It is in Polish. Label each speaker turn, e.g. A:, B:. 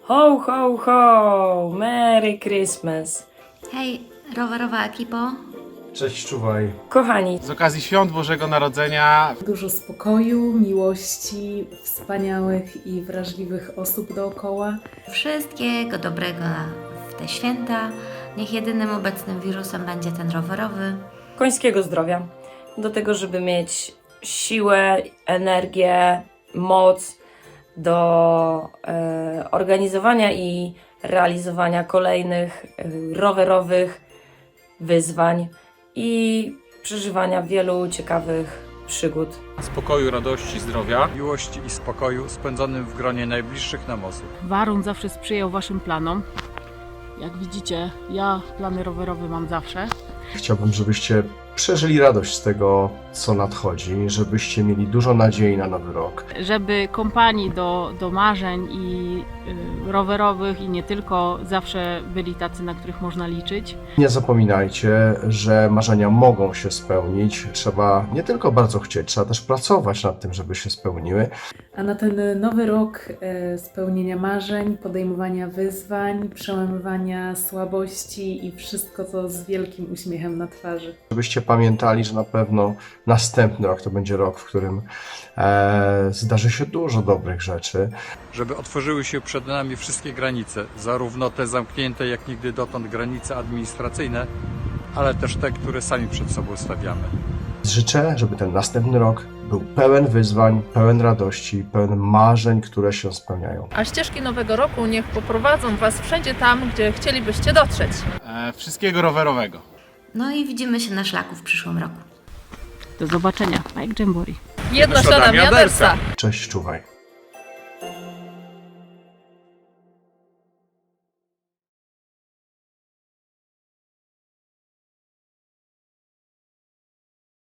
A: Ho, ho, ho! Merry Christmas!
B: Hej, rowerowa ekipo.
C: Cześć, czuwaj.
A: Kochani,
D: Z okazji świąt Bożego Narodzenia
E: Dużo spokoju, miłości, wspaniałych i wrażliwych osób dookoła.
B: Wszystkiego dobrego w te święta. Niech jedynym obecnym wirusem będzie ten rowerowy.
A: końskiego zdrowia. Do tego, żeby mieć siłę, energię, moc do organizowania i realizowania kolejnych rowerowych wyzwań i przeżywania wielu ciekawych przygód.
D: spokoju, radości, zdrowia.
F: miłości i spokoju spędzonym w gronie najbliższych nam osób.
G: Warun zawsze sprzyjał Waszym planom. Jak widzicie, ja plany rowerowe mam zawsze.
C: Chciałbym, żebyście przeżyli radość z tego, co nadchodzi, żebyście mieli dużo nadziei na nowy rok.
G: Żeby kompanii do marzeń i rowerowych i nie tylko zawsze byli tacy, na których można liczyć.
C: Nie zapominajcie, że marzenia mogą się spełnić. Trzeba nie tylko bardzo chcieć, trzeba też pracować nad tym, żeby się spełniły.
E: A na ten nowy rok spełnienia marzeń, podejmowania wyzwań, przełamywania słabości i wszystko to z wielkim uśmiechem na twarzy.
C: Żebyście pamiętali, że na pewno następny rok to będzie rok, w którym zdarzy się dużo dobrych rzeczy.
F: Żeby otworzyły się przed nami wszystkie granice, zarówno te zamknięte jak nigdy dotąd granice administracyjne, ale też te, które sami przed sobą stawiamy.
C: Życzę, żeby ten następny rok był pełen wyzwań, pełen radości, pełen marzeń, które się spełniają.
H: A ścieżki Nowego Roku niech poprowadzą Was wszędzie tam, gdzie chcielibyście dotrzeć.
D: Wszystkiego rowerowego.
B: No i widzimy się na szlaku w przyszłym roku.
G: Do zobaczenia. Bike Jamboree.
H: Jedna ślada miadersa!
C: Cześć, czuwaj.